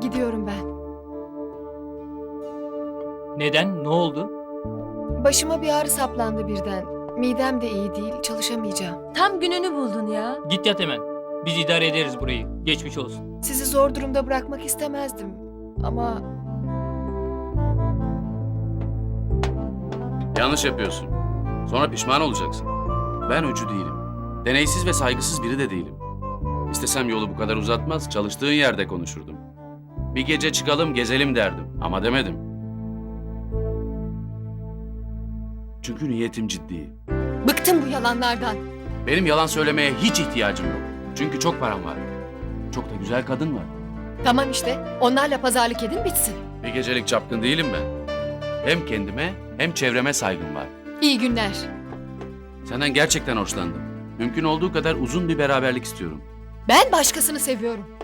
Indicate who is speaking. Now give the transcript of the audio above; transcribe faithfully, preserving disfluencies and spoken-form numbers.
Speaker 1: Gidiyorum ben.
Speaker 2: Neden? Ne oldu?
Speaker 1: Başıma bir ağrı saplandı birden. Midem de iyi değil, çalışamayacağım.
Speaker 3: Tam gününü buldun ya.
Speaker 2: Git yat hemen. Biz idare ederiz burayı. Geçmiş olsun.
Speaker 1: Sizi zor durumda bırakmak istemezdim. Ama
Speaker 4: Yanlış yapıyorsun. Sonra pişman olacaksın. Ben öcü değilim. Deneysiz ve saygısız biri de değilim. İstesem yolu bu kadar uzatmaz, çalıştığın yerde konuşurdum. Bir gece çıkalım, gezelim derdim. Ama demedim. Çünkü niyetim ciddi.
Speaker 1: bıktım bu yalanlardan.
Speaker 4: Benim yalan söylemeye hiç ihtiyacım yok. Çünkü çok param var. Çok da güzel kadın var.
Speaker 1: Tamam işte, onlarla pazarlık edin bitsin.
Speaker 4: Bir gecelik çapkın değilim ben. Hem kendime hem çevreme saygım var.
Speaker 1: İyi günler.
Speaker 4: Senden gerçekten hoşlandım. Mümkün olduğu kadar uzun bir beraberlik istiyorum.
Speaker 1: Ben başkasını seviyorum.